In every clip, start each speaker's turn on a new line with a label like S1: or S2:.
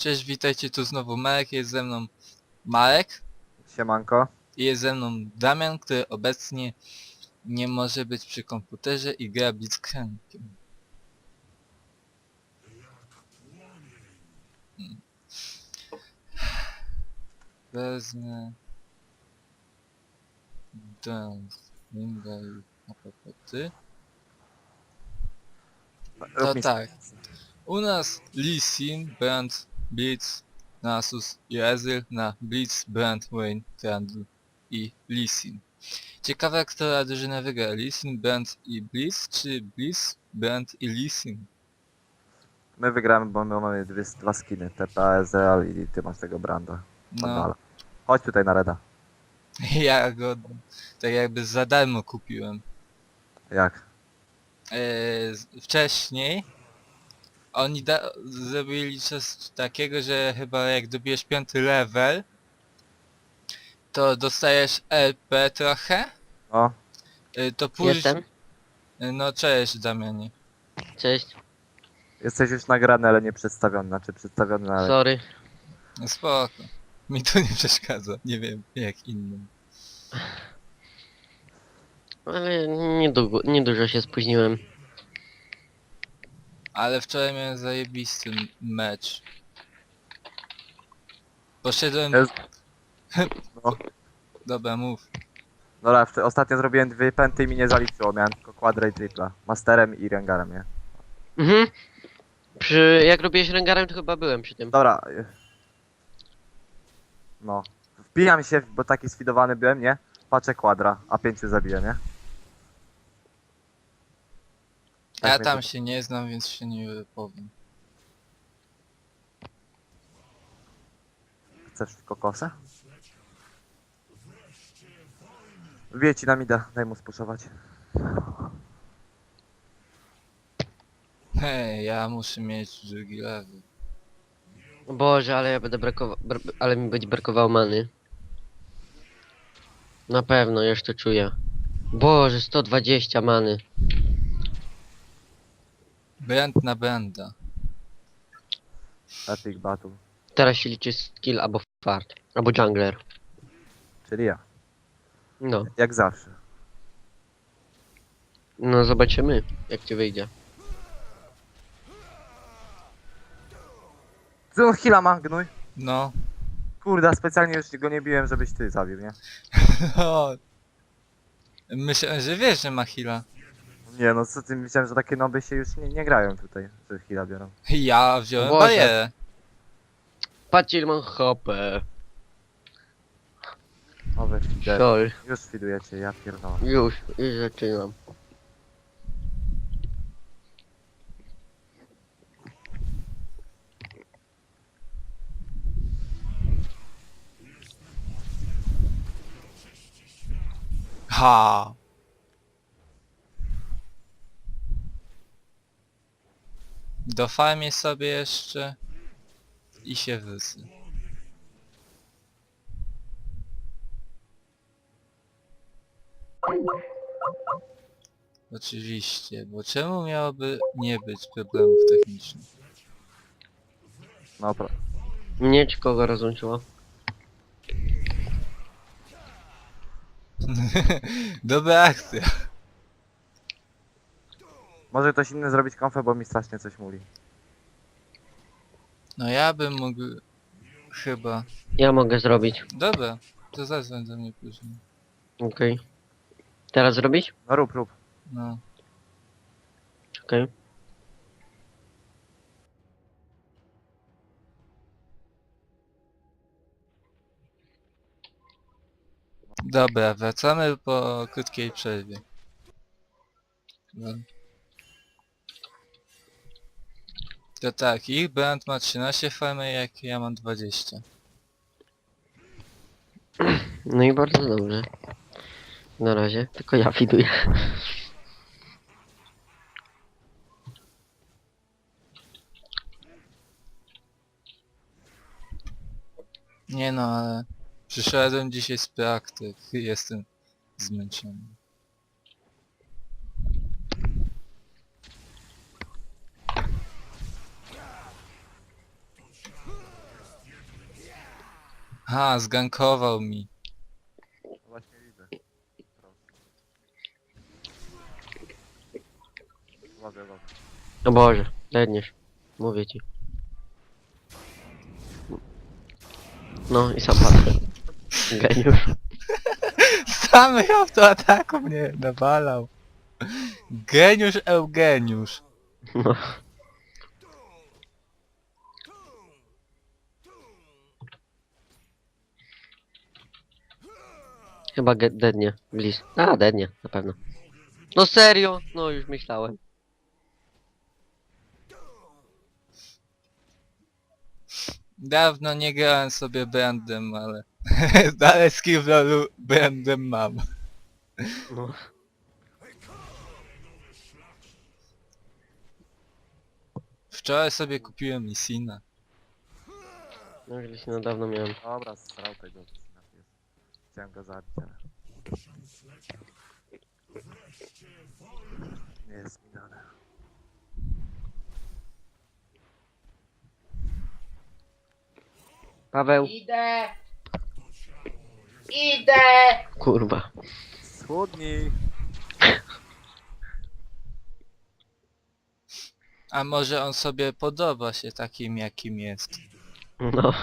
S1: Cześć, witajcie, tu znowu Marek, jest ze mną Marek
S2: Siemanko.
S1: i jest ze mną Damian, który obecnie nie może być przy komputerze i gra Blitzcrankiem. Wezmę... Dance, Ninja i apokoty. To
S2: Rób mi
S1: tak, u nas Lee Sin, Brand, Blitz, Nasus i Ezreal na Blitz, Brand, Vayne, Trundle i Lee Sin. Ciekawe, która drużyna wygra, Lee Sin, Brand i Blitz, czy Blitz, Brand i Lee Sin?
S2: My wygramy, bo my mamy dwa skiny. TPA, Ezreal i ty masz tego Branda.
S1: No,
S2: Vandala. Chodź tutaj na Reda.
S1: ja go tak jakby za darmo kupiłem.
S2: Jak?
S1: Wcześniej oni zrobili coś takiego, że chyba jak dobijesz 5. level, to dostajesz LP trochę,
S2: O,
S1: to później...
S3: Jestem.
S1: No cześć Damianie.
S3: Cześć.
S2: jesteś już nagrany, ale nie przedstawiony. Znaczy przedstawiony, ale...
S3: Sorry.
S1: No spoko. Mi to nie przeszkadza, nie wiem jak innym.
S3: Ale niedużo się spóźniłem.
S1: Ale wczoraj miałem zajebisty mecz. Poszedłem...
S2: Jest... No.
S1: Dobra, mów.
S2: Dobra, ostatnio zrobiłem dwie pęty i mi nie zaliczyło. Miałem tylko quadra i tripla. Masterem i Rengarem, nie?
S3: Mhm. Jak robiłeś Rengarem, to chyba byłem przy tym.
S2: Dobra. No. Wbijam się, bo taki sfidowany byłem, nie? Patrzę quadra, a 5 zabiję, nie? Tak
S1: Ja
S2: mnie
S1: tam
S2: to-
S1: się nie znam, więc się nie wypowiem.
S2: Chcesz kokosę? Wbije ci na mida, daj mu spuszować.
S1: Hej, ja muszę mieć drugi level.
S3: O Boże, ale ja będę ale mi będzie brakowało many. Na pewno, już to czuję. Boże, 120 many.
S1: Brand na branda.
S2: Epic battle.
S3: Teraz się liczy skill albo fart. Albo jungler.
S2: Czyli ja.
S3: No.
S2: Jak zawsze.
S3: No zobaczymy, jak ci wyjdzie.
S2: Ty on heala ma, gnój.
S1: No.
S2: Kurde, specjalnie już go nie biłem, żebyś ty zabił, nie?
S1: O. Myślałem, że wiesz, że ma heala.
S2: Nie no, co ty, myślałem, że takie noby się już nie grają tutaj, że heala biorą.
S1: Ja wziąłem
S3: Boże.
S1: barierę.
S3: Patrzcie, ile mam hopę.
S2: Nowe feeder.
S3: Sol.
S2: Już feedujecie, ja pierdolę.
S3: Już zaczynam.
S1: Ha. Dofarmię sobie jeszcze i się wysy. Oczywiście, bo czemu miałoby nie być problemów technicznych?
S2: No,
S3: Mnie czy kogo rozłączyło?
S1: Dobra akcja.
S2: może ktoś inny zrobić konfę, bo mi strasznie coś mówi.
S1: No ja bym mógł... chyba...
S3: Ja mogę zrobić.
S1: Dobra, to zadzwoń do mnie później.
S3: Okej. Teraz zrobić?
S2: No rób.
S1: No.
S3: Okej.
S1: Dobra, wracamy po krótkiej przerwie. No. To tak, ich brand ma 13 farmy, jak ja mam 20.
S3: No i bardzo dobrze. Na razie, tylko ja widuję.
S1: Nie no, ale... Przyszedłem dzisiaj z praktyk, jestem zmęczony. Ha, zgankował mi.
S2: No właśnie widzę. Prosto. Uważaj, uważaj.
S3: O Boże, ledniesz. Mówię ci. No i sam padł. Geniusz.
S1: Sam w autoataku mnie nawalał. Geniusz Eugeniusz.
S3: No. Chyba dednie. Bliz. A, dednie, na pewno. No serio? No już myślałem.
S1: Dawno nie grałem sobie brandem, ale... dalej skill w LoLu brandem mam.
S3: No.
S1: Wczoraj sobie kupiłem Lissina.
S3: No już się na dawno miałem.
S2: Dobra, strał tego na pies. Chciałem go zabić, ale... Nie jest mi dane.
S3: Paweł.
S4: Idę! Idę!
S3: Kurwa.
S2: Schudnij!
S1: A może on sobie podoba się takim jakim jest.
S3: No.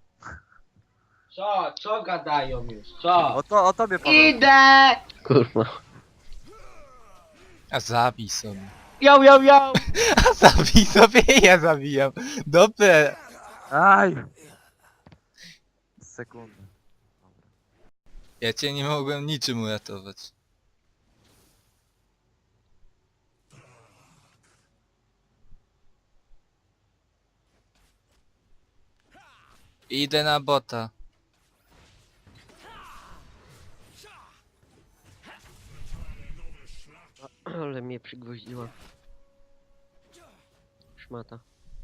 S4: Co? Co gadają już? Co?
S2: O tobie Paweł.
S4: Idę!
S3: Kurwa.
S1: A zabij sobie.
S4: Yo, yo, yo!
S1: A zabij sobie, ja zabijam. Dobre.
S2: Aj! Sekundę. Dobra.
S1: Ja cię nie mogłem niczym uratować. Idę na bota.
S3: Ale mnie przygwoździła. Szmata.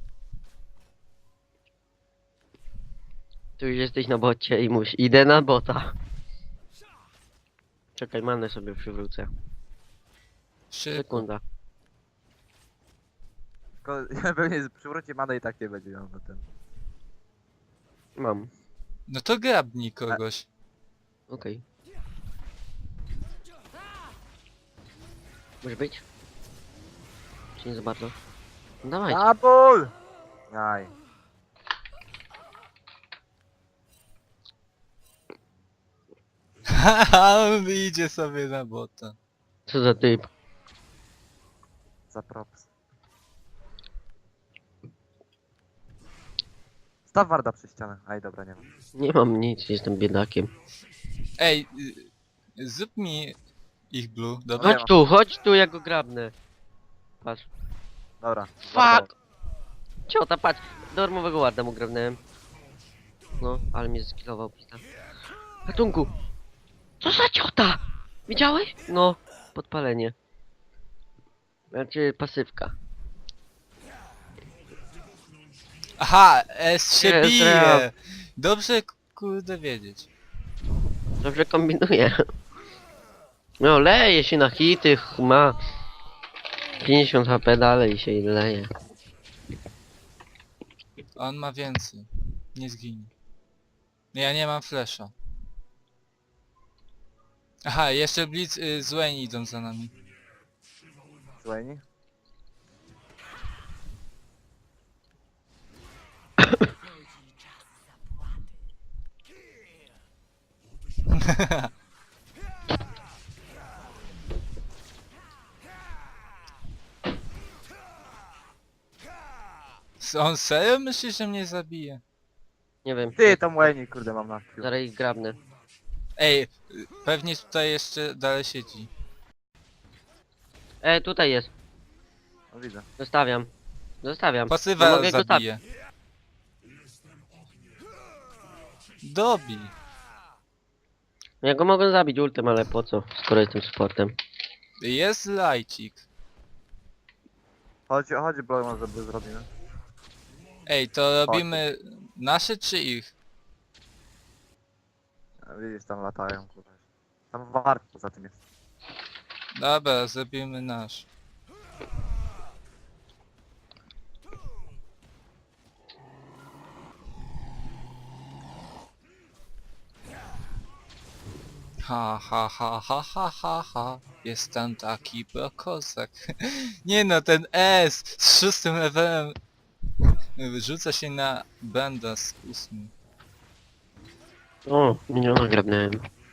S3: Tu już jesteś na bocie i idę na bota. Czekaj, manę sobie przywrócę.
S1: Szybko.
S3: Sekunda.
S2: Tylko ja pewnie przywróci manę i tak nie będzie miał na ten.
S3: Mam.
S1: No to grabnij kogoś.
S3: Okej. Może być? Czy nie za bardzo? No dawaj.
S2: Double! Aj.
S1: Haha, on idzie sobie na bota.
S3: Co za typ?
S2: Za props. Staw Warda przy ścianę. Aj, dobra, nie mam.
S3: Nie mam nic, jestem biedakiem.
S1: Ej, zrób mi ich blue, dobra?
S2: Nie ma.
S3: Chodź tu, ja go grabnę. Patrz.
S2: Dobra.
S3: Fuck! Ciota, patrz! Darmowego ładna mu grabnąłem. No, ale mnie zeskillował pita. Ratunku! Co za ciota? Widziałeś? No, podpalenie. Znaczy, pasywka.
S1: Aha, S się
S3: Jest,
S1: bije!
S3: rap.
S1: Dobrze kurde wiedzieć.
S3: Dobrze kombinuje. No, leje się na hity, ma 50 HP dalej się leje.
S1: On ma więcej. Nie zginie. Ja nie mam flesza. Aha, jeszcze Blitz z Wayne idą za nami.
S2: Słuchaj.
S1: On serio myśli, że mnie zabije?
S3: Nie wiem.
S2: Ty, tam Wayne, kurde, mam na Q.
S3: Zaraz ich grabnę.
S1: Ej, pewnie tutaj jeszcze dalej siedzi.
S3: Tutaj jest.
S2: No widzę.
S3: Zostawiam. Zostawiam. No
S1: Pasywa
S3: mogę go
S1: zabije. Dobij.
S3: Ja go mogę zabić ultem, ale po co? Skoro jestem sportem.
S1: Jest lajcik.
S2: Chodź, Blow, żeby zrobimy.
S1: Ej, to robimy nasze czy ich?
S2: A widzisz, tam latają, kurde. Tam Ward poza tym jest.
S1: Dobra, zrobimy nasz. Ha ha ha ha ha ha ha. Jestem taki prokozak. Nie no, ten S z 6 levelem rzuca się na banda z 8.
S3: O, miniona grabnąłem.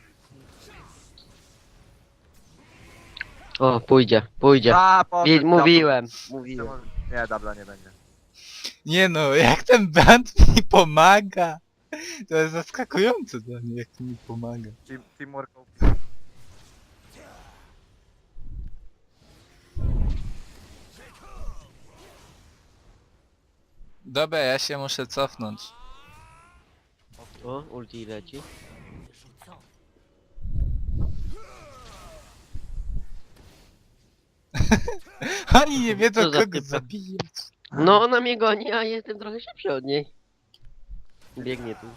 S3: O, pójdzie.
S2: A, poszedł,
S3: Mówiłem.
S2: Nie, dubla nie będzie.
S1: Nie no, jak ten band mi pomaga! To jest zaskakujące dla mnie, jak mi pomaga.
S2: Teamwork.
S1: Dobra, ja się muszę cofnąć.
S3: O, ulti leci.
S1: Oni nie wiedzą
S3: Co za
S1: kogo
S3: typy?
S1: zabijać.
S3: No, ona mnie goni, a jestem trochę szybszy od niej. Biegnie tu.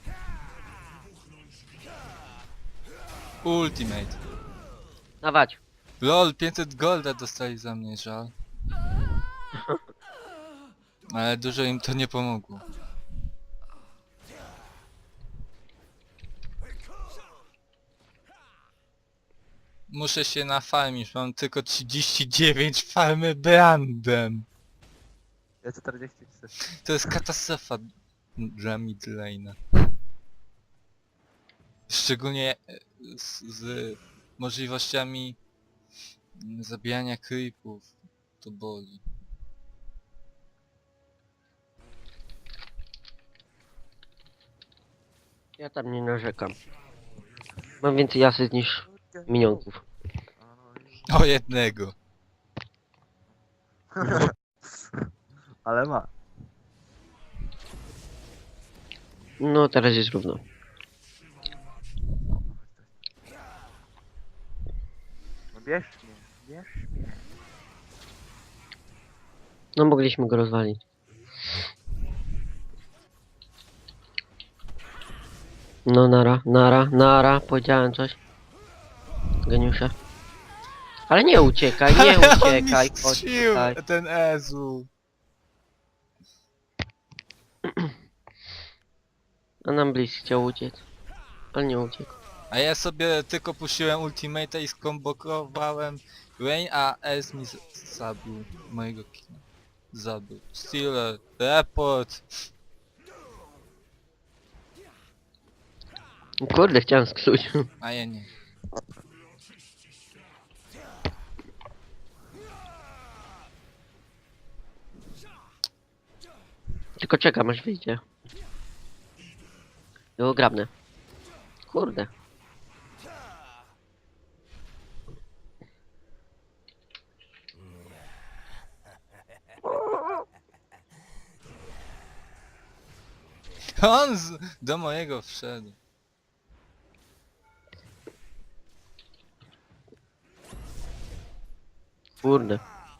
S1: Ultimate.
S3: Dawać.
S1: LOL, 500 golda dostali za mnie, żal. Ale dużo im to nie pomogło. Muszę się nafarmić, mam tylko 39 farmy brandem.
S2: Ja 43.
S1: To jest katastrofa dla midlane'a. Szczególnie z możliwościami zabijania creepów. To boli.
S3: Ja tam nie narzekam. Mam więcej asyst niż minionków.
S1: O jednego.
S2: Ale ma.
S3: No, teraz jest równo.
S2: No bierz mnie.
S3: No, mogliśmy go rozwalić. No, nara, powiedziałem coś. Geniusze. Ale nie uciekaj, nie
S1: On mi
S3: uciekaj, chodź
S1: strzelił,
S3: tutaj.
S1: ten Ezu.
S3: A nam Bliss chciał uciec. Ale nie uciekł.
S1: A ja sobie tylko puściłem ultimate'a i skombokowałem Rain, a Ez mi zabił mojego kina. Zabił. Stealer, report.
S3: Kurde, chciałem sksuć.
S1: A ja nie.
S3: Tylko czekam aż wyjdzie. Było grabne. Kurde.
S1: On do mojego wszedł.
S3: Kurde.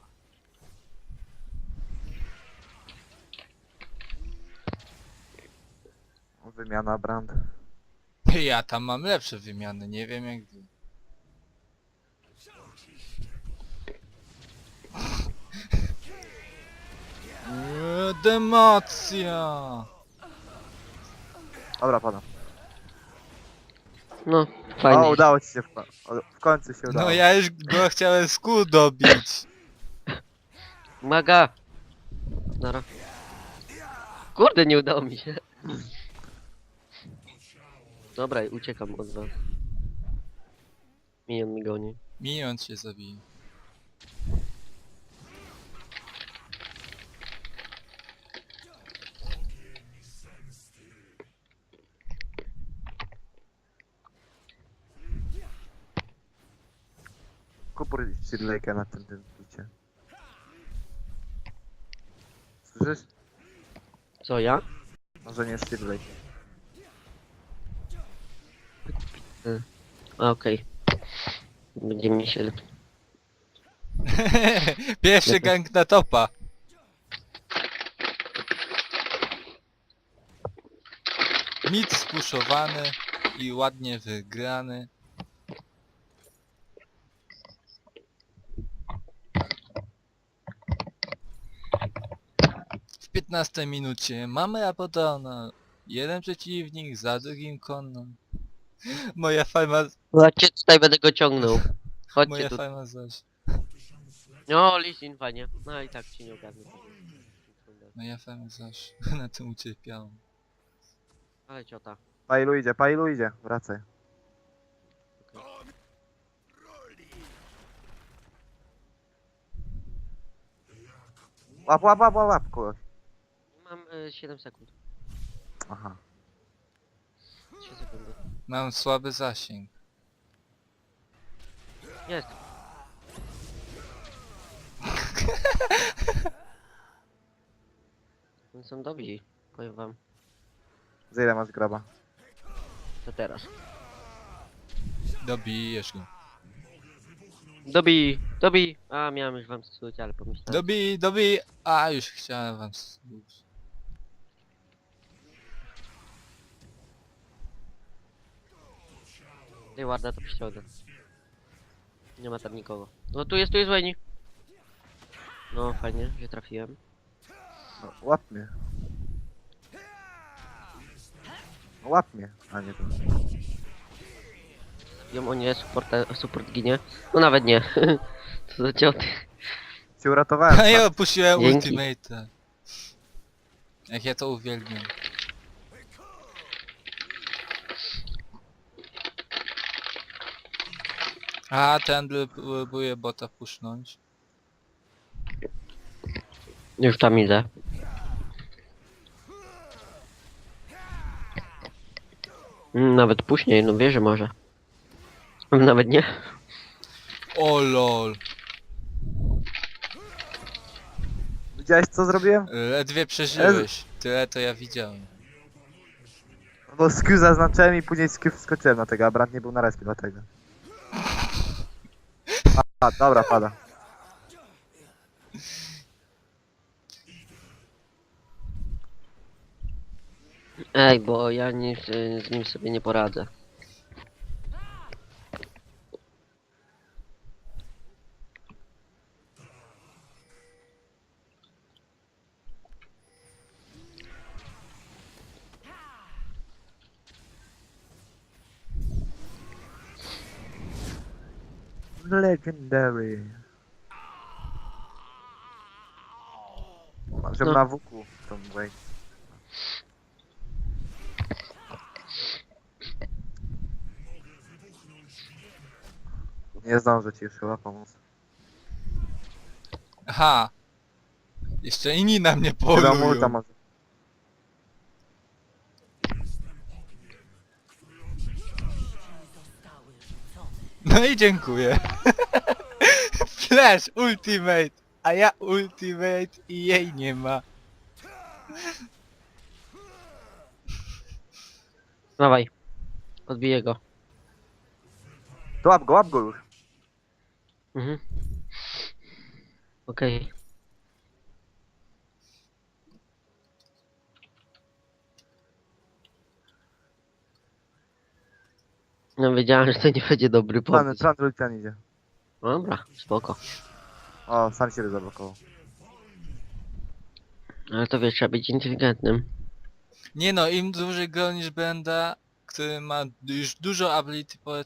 S2: Wymiana brand.
S1: Ja tam mam lepsze wymiany, nie wiem jak wy. Democja!
S2: Dobra, padam.
S3: No, fajnie.
S2: O, udało ci się w końcu się udało.
S1: No ja już go chciałem z kół dobić.
S3: Maga! Nara. Kurde, nie udało mi się. Dobra, uciekam od was. Minion mi goni.
S1: Minion cię zabije.
S2: Kupur Sidlejka na tym bicie. Słyszysz?
S3: Co, ja?
S2: Może nie Sidlejk.
S3: A, okej. Będzie mi się...
S1: Pierwszy gang na topa. Mid spuszowany i ładnie wygrany. W 15 minucie mamy Apodona. Jeden przeciwnik, za drugim konno. Moja farma,
S3: Chodźcie, tutaj będę go ciągnął. Chodźcie
S1: moja
S3: tu.
S1: farma zaś.
S3: No, Lisin, fajnie. No i tak ci nie ogarnę.
S1: Moja farma zaś. Na tym ucierpiałam.
S3: Ale ciota.
S2: Pailu idzie, wracaj. Łap kogoś.
S3: Mam 7 sekund.
S2: Aha.
S3: 3 sekundy.
S1: Mam słaby zasięg.
S3: Jest. Oni są dobrzy. Powiem wam.
S2: Za ile masz graba?
S3: To teraz.
S1: Dobijesz go.
S3: Dobij! A, miałem już wam słuchać, ale pomyślałem.
S1: Dobij! A, już chciałem wam słuchać.
S3: Tej warda to przyciągnę. Nie ma tam nikogo. No tu jest Wayne. No fajnie, że trafiłem.
S2: No, łap mnie. No, łap mnie, a nie to.
S3: Ją o nie, support ginie. No nawet nie. Co za cioty.
S2: Cię uratowałem.
S1: A ja opuściłem
S3: Dzięki.
S1: ultimate'a. Jak ja to uwielbiam. A, ten próbuje bota pusznąć.
S3: Już tam idę. Nawet później, no wie, że może. Nawet nie.
S1: O lol.
S2: Widziałeś co zrobiłem?
S1: Ledwie przeżyłeś. Tyle to ja widziałem.
S2: No Q zaznaczyłem i później z Q wskoczyłem na tego, a Brand nie był na respie dlatego. A, dobra, pada.
S3: Ej, bo ja nie, z nim sobie nie poradzę.
S2: Legendary. Mam, żeby
S3: No.
S2: na WQ tą Wayne. Nie zdążę ci już chyba pomóc.
S1: Aha. Jeszcze inni na mnie
S2: Chyba multa
S1: polują.
S2: może.
S1: No i dziękuję. Flash ultimate. A ja ultimate i jej nie ma.
S3: Dawaj. Odbiję go.
S2: To łap go już.
S3: Mhm. Okej. No wiedziałem, że to nie będzie dobry pomysł.
S2: Plan Lucian idzie.
S3: Dobra, spoko.
S2: O, sam się zablokował.
S3: Ale to wiesz, trzeba być inteligentnym.
S1: Nie no, im dłużej gonisz Benda, który ma już dużo ability power,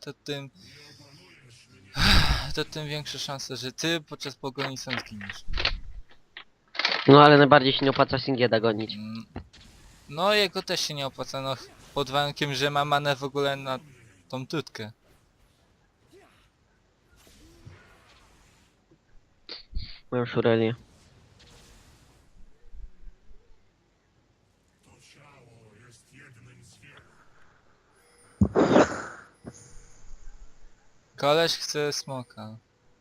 S1: to tym większe szanse, że ty podczas pogoni sam zginiesz.
S3: No ale najbardziej się nie opłaca Singieda gonić.
S1: No jego też się nie opłaca, no pod warunkiem, że ma manę w ogóle na tą tutkę.
S3: Mam szurelię.
S1: Koleś chce smoka.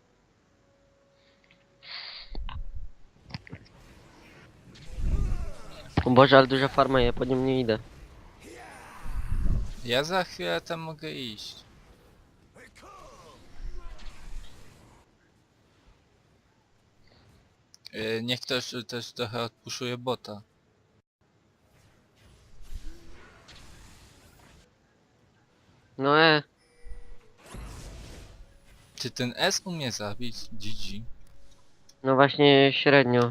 S3: O Boże, ale duża farma, ja po nim nie idę.
S1: Ja za chwilę tam mogę iść. Niech ktoś też trochę odpuszuje bota.
S3: No
S1: Czy ten S umie zabić? GG.
S3: no właśnie średnio.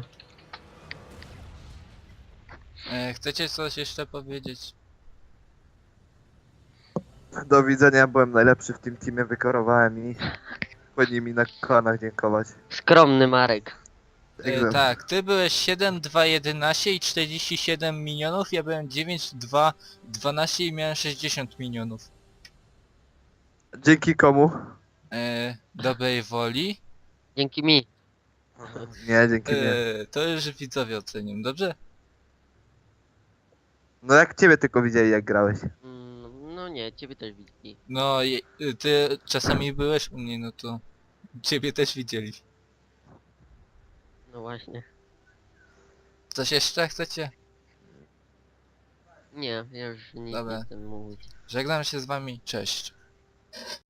S1: Chcecie coś jeszcze powiedzieć?
S2: Do widzenia, byłem najlepszy w tym teamie, wykorowałem ich. Powinni mi na kolanach dziękować.
S3: Skromny Marek.
S1: Tak, ty byłeś 7, 2, 11 i 47 minionów, ja byłem 9, 2, 12 i miałem 60 minionów.
S2: Dzięki komu?
S1: Dobrej woli.
S3: Dzięki mi.
S2: Nie, dzięki mnie.
S1: To już widzowie ocenią, dobrze?
S2: No jak ciebie tylko widzieli jak grałeś.
S3: No nie, ciebie też widzieli.
S1: No, ty czasami byłeś u mnie, no to ciebie też widzieli.
S3: No właśnie.
S1: Coś jeszcze chcecie?
S3: Nie, ja już nic
S1: Dobra.
S3: nie chcę mówić.
S1: Żegnam się z wami, cześć.